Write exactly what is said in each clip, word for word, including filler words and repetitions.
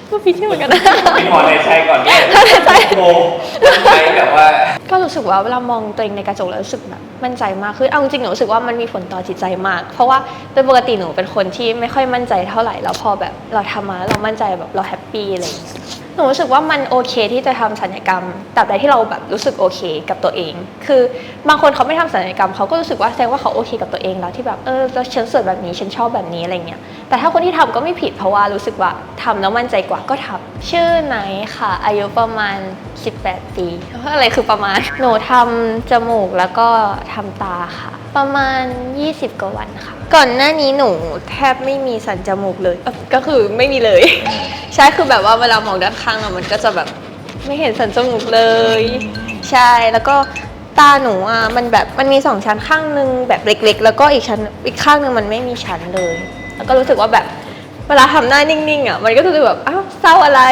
ก็พิชิตเหมือนกันนะมีหมอในใจก่อนด้วยใช่โมใช่แบบว่าก็รู้สึกว่าเวลามองตัวเองในกระจกแล้วรู้สึกแบบมั่นใจมากคือเอาจริงๆหนูรู้สึกว่ามันมีผลต่อจิตใจมากเพราะว่าโดยปกติหนูเป็นคนที่ไม่ค่อยมั่นใจเท่าไหร่แล้วพอแบบเราทำมาเรามั่นใจแบบเราแฮปปี้อะไรอย่างเงี้ยหนูรู้สึกว่ามันโอเคที่จะทำศัลยกรรมตราบใดที่เราแบบรู้สึกโอเคกับตัวเองคือบางคนเขาไม่ทำศัลยกรรมเขาก็รู้สึกว่าแสดงว่าเขาโอเคกับตัวเองแล้วที่แบบเออฉันสวยแบบนี้ฉันชอบแบบนี้อะไรเงี้ยแต่ถ้าคนที่ทำก็ไม่ผิดเพราะว่ารู้สึกว่าทำแล้วมั่นใจกว่าก็ทำชื่อไหนค่ะอายุประมาณสิบแปดปีอะไรคือประมาณหนูทำจมูกแล้วก็ทำตาค่ะประมาณยี่สิบกว่าวันค่ะก่อนหน้านี้หนูแทบไม่มีสันจมูกเลยก็คือไม่มีเลยใช่คือแบบว่าเวลามองด้านข้างอะมันก็จะแบบไม่เห็นสันจมูกเลยใช่แล้วก็ตาหนูอ่ะมันแบบมันมีสองชั้นข้างนึงแบบเล็กๆแล้วก็อีกชั้นอีกข้างนึงมันไม่มีชั้นเลยแล้วก็รู้สึกว่าแบบเวลาทำหน้านิ่งๆอ่ะมันก็จะแบบอ้าวเศร้าอะไร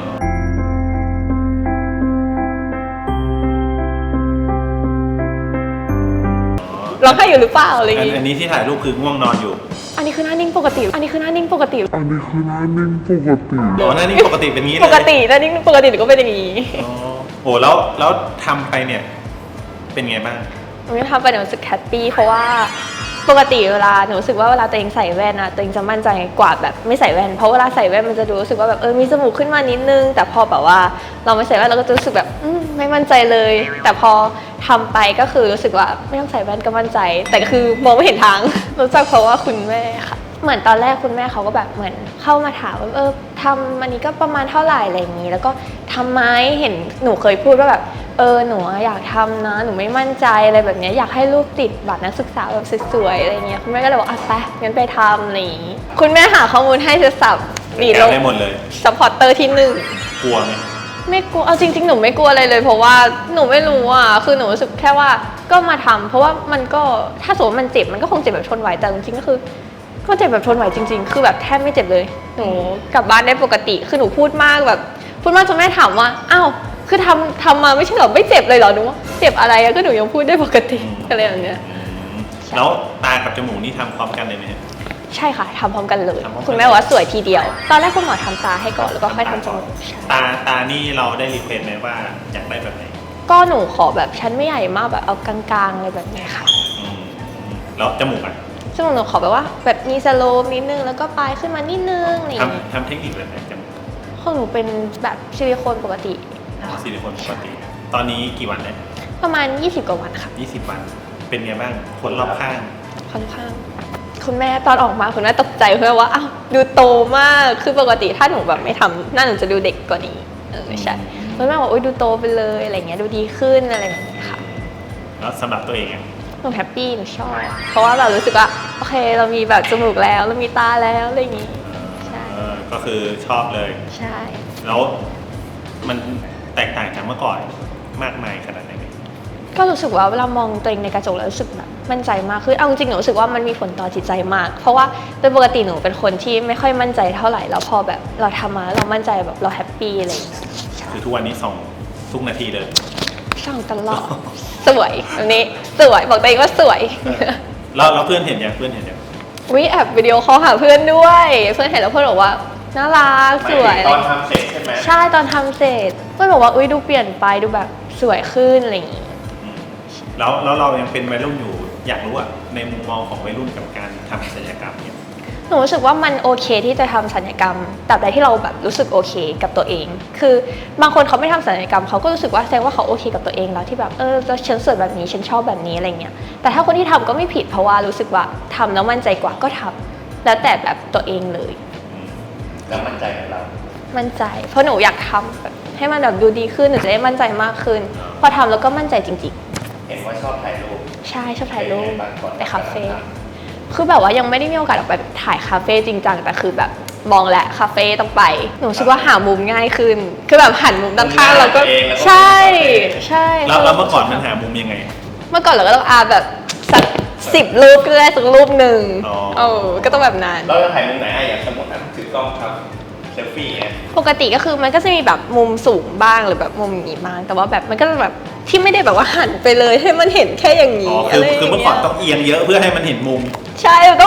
ร้องไห้อยู่หรือเปล่าอะไรอย่างงี้อันนี้ที่ถ่ายรูปคือง่วงนอนอยู่อันนี้คือหน้านิ่งปกติอันนี้คือหน้านิ่งปกติอันนี้คือหน้านิ่งปกติอ๋อหน้านิ่งปกติเป็นงี้เลยปกติหน้านิ่งปกติหนูก็เป็นอย่างนี้อ๋อโหแล้วแล้วทำไปเนี่ยเป็นไงบ้างหนูทำไปหนูรู้สึกแฮปปี้เพราะว่าปกติเวลาหนูรู้สึกว่าเวลาตัวเองใส่แว่นอะตัวเองจะมั่นใจกว่าแบบไม่ใส่แว่นเพราะเวลาใส่แว่นมันจะดูรู้สึกว่าแบบเออมีจมูกขึ้นมานิดนึงแต่พอแบบว่าเราไม่ใส่แว่นเราก็จะรู้สึกแบบอืมไม่มั่นใจเลยแต่พอทำไปก็คือรู้สึกว่าไม่ต้องใส่แว่นก็มั่นใจแต่ก็คือมองไม่เห็นทางรู้จักเพราะว่าคุณแม่ค่ะเหมือนตอนแรกคุณแม่เขาก็แบบเหมือนเข้ามาถามว่าเออทำอันนี้ก็ประมาณเท่าไหร่อะไรอย่างนี้แล้วก็ทำไหมเห็นหนูเคยพูดว่าแบบเออหนูอยากทำนะหนูไม่มั่นใจอะไรแบบนี้อยากให้ลูกติดบัตรนักศึกษาแบบสวยๆอะไรเงี้ยคุณแม่ก็เลยบอกอ่ะไปงั้นไปทำอะไรอย่างนี้คุณแม่หาข้อมูลให้เสร็จสับดีลงได้หมดเลยซัพพอร์ตเตอร์ที่หนึ่งกลัวไหมไม่กลัวเอาจริงๆหนูไม่กลัวอะไรเลยเพราะว่าหนูไม่รู้อ่ะคือหนูรู้สึกแค่ว่าก็มาทำเพราะว่ามันก็ถ้าสมมติมันเจ็บมันก็คงเจ็บแบบทนไหวแต่จริงๆก็คือก็เจ็บแบบทนไหวจริงๆคือแบบแทบไม่เจ็บเลยหนูกลับบ้านได้ปกติคือหนูพูดมากแบบพูดมากจนแม่ถามว่าอ้าวคือทำทำมาไม่ใช่หรอไม่เจ็บเลยเหรอหนูว่าเจ็บอะไรก็หนูยังพูดได้ปกติอะไรแบบเนี้ยแล้วตากับจมูกนี่ทำพร้อมกันเลยไหมใช่ค่ะทำพร้อมกันเลยคุณแม่ว่าสวยทีเดียวตอนแรกคุณหมอทำตาให้ก่อนแล้วก็ค่อยทำจมูกตาตานี่เราได้รีเควสไหมว่าอยากได้แบบไหนก็หนูขอแบบชั้นไม่ใหญ่มากแบบเอากลางๆอะไรแบบนี้ค่ะแล้วจมูกอ่ะจมูกหนูขอแบบว่าแบบมีสโลปนิดนึงแล้วก็ปลายขึ้นมานิดนึงนี่ทำทำเทคนิคแบบไหนจมูกของหนูเป็นแบบซิลิโคนปกติซิลิโคนปกติตอนนี้กี่วันแล้วประมาณยี่สิบกว่าวันค่ะยี่สิบวันเป็นไงบ้างคนรอบข้างค่อนข้างคุณแม่ตอนออกมาคุณแม่ตกใจเพราะว่าอ้าวดูโตมากคือปกติถ้าหนูแบบไม่ทำหน้าหนูจะดูเด็กกว่านี้เออใช่คุณแม่บอกโอ๊ยดูโตไปเลยอะไรเงี้ยดูดีขึ้นอะไรแบบนี้ค่ะแล้วสำหรับตัวเองอ่ะหนูแฮปปี้หนูชอบเพราะว่าเรารู้สึกว่าโอเคเรามีแบบจมูกแล้วเรามีตาแล้วอะไรอย่างงี้ใช่ก็คือชอบเลยใช่แล้วมันแตกต่างจากเมื่อก่อนมากมายขนาดไหนก็รู้สึกว่าเวลามองตัวเองในกระจกแล้วรู้สึกแบบมั่นใจมากคือเอาจริงๆหนูรู้สึกว่ามันมีผลต่อจิตใจมากเพราะว่าโดยปกติหนูเป็นคนที่ไม่ค่อยมั่นใจเท่าไหร่แล้วพอแบบเราทำมาเรามั่นใจแบบเราแฮปปี้อะไรอย่างเงี้ยคือทุกวันนี้ส่องทุกนาทีเลยส่องตลอดสวยแบบนี้สวยบอกตัวเองว่าสวยแล้วแล้วเพื่อนเห็นยังเพื่อนเห็นยังวิแอบวิดีโอคอลหาเพื่อนด้วยเพื่อนเห็นแล้วเพื่อนบอกว่าน่ารักสวยตอนทำเสร็จใช่ไหมใช่ตอนทำเสร็จเพื่อนบอกว่าอุ้ยดูเปลี่ยนไปดูแบบสวยขึ้นอะไรอย่างงี้แล้วแล้วเรายังเป็นวัยรุ่นอยู่อยากรู้อะในมุมมองของวัยรุ่นกับการทำศัลยกรรมเนี่ยหนูรู้สึกว่ามันโอเคที่จะทำศัลยกรรมตราบใดที่เราแบบรู้สึกโอเคกับตัวเองคือบางคนเขาไม่ทำศัลยกรรมเขาก็รู้สึกว่าแสดงว่าเขาโอเคกับตัวเองแล้วที่แบบเออฉันสวยแบบนี้ฉันชอบแบบนี้อะไรเงี้ยแต่ถ้าคนที่ทำก็ไม่ผิดเพราะว่ารู้สึกว่าทำแล้วมั่นใจกว่าก็ทำแล้วแต่แบบตัวเองเลยแล้วมั่นใจกับเรามั่นใจเพราะหนูอยากทำแบบให้มันแบบดูดีขึ้นหนูจะได้มั่นใจมากขึ้นพอทำแล้วก็มั่นใจจริงเห็นว่าชอบถ่ายรูปใช่ชอบถ่ายรูปไปคาเฟ่คือแบบว่ายังไม่ได้มีโอกาสออกไปถ่ายคาเฟ่จริงจังแต่คือแบบมองแหละคาเฟ่ต้องไปหนูรู้สึกว่าหามุมง่ายขึ้นคือแบบหันมุมด้านข้างเราก็ใช่ใช่แล้วเมื่อก่อนมันหามุมยังไงเมื่อก่อนเราก็ต้องอาแบบสักสิบรูปก็ได้สักรูปหนึ่งเออก็ต้องแบบนั้นเราจะถ่ายมุมไหนอย่างสมมติถือกล้องครับเซลฟี่ปกติก็คือมันก็จะมีแบบมุมสูงบ้างหรือแบบมุมอย่างนี้บ้างแต่ว่าแบบมันก็แบบที่ไม่ได้แบบว่าหันไปเลยให้มันเห็นแค่อย่างนี้อ๋อคือคือเมื่อก่อนต้องเอียงเยอะเพื่อให้มันเห็นมุมใช่ต้องแบบ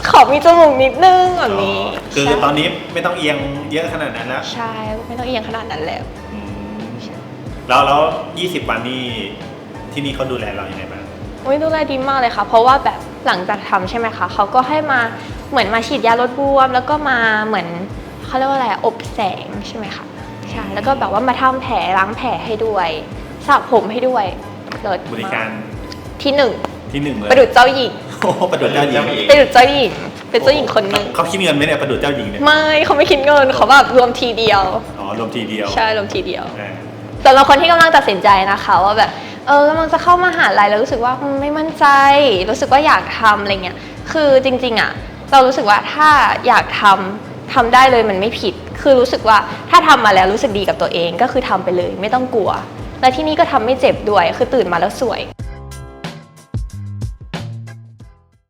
ขอมีจมูกนิดนึงแบบนี้อ๋อคือตอนนี้ไม่ต้องเอียงเยอะขนาดนั้นแล้วใช่ไม่ต้องเอียงขนาดนั้นแล้วอืมแล้วแล้วยี่สิบวันนี่ที่นี่เขาดูแลเราอย่างไรบ้างโอ้ยดูแลดีมากเลยค่ะ เพราะว่าแบบหลังจากทำใช่ไหมคะเขาก็ให้มาเหมือนมาฉีดยาลดบวม แล้วก็มาเหมือนเขาเรียกว่าอะไรอบแสงใช่ไหมคะใช่แล้วก็แบบว่ามาทำแผลล้างแผลให้ด้วยสระผมให้ด้วยเลิศบริการที่หนึ่งที่หนึ่งเลยประดุจเจ้าหญิงโอ้โหประดุจเจ้าหญิงประดุจเจ้าหญิงเป็นเจ้าหญิงคนหนึ่งเขาคิดเงินไหมเนี่ยประดุจเจ้าหญิงเนี่ยไม่เขาไม่คิดเงินเขาแบบรวมทีเดียวอ๋อรวมทีเดียวใช่รวมทีเดียวอ่าสำหรับคนที่กำลังตัดสินใจนะคะว่าแบบเออกำลังจะเข้ามหาลัยแล้วรู้สึกว่าอืมไม่มั่นใจ รู้สึกว่าอยากทำอะไรเงี้ยคือจริงๆอ่ะเรารู้สึกว่าถ้าอยากทำทำได้เลยมันไม่ผิด คือรู้สึกว่าถ้าทำมาแล้วรู้สึกดีกับตัวเองก็คือทำไปเลยไม่ต้องกลัว และที่นี่ก็ทำไม่เจ็บด้วยคือตื่นมาแล้วสวย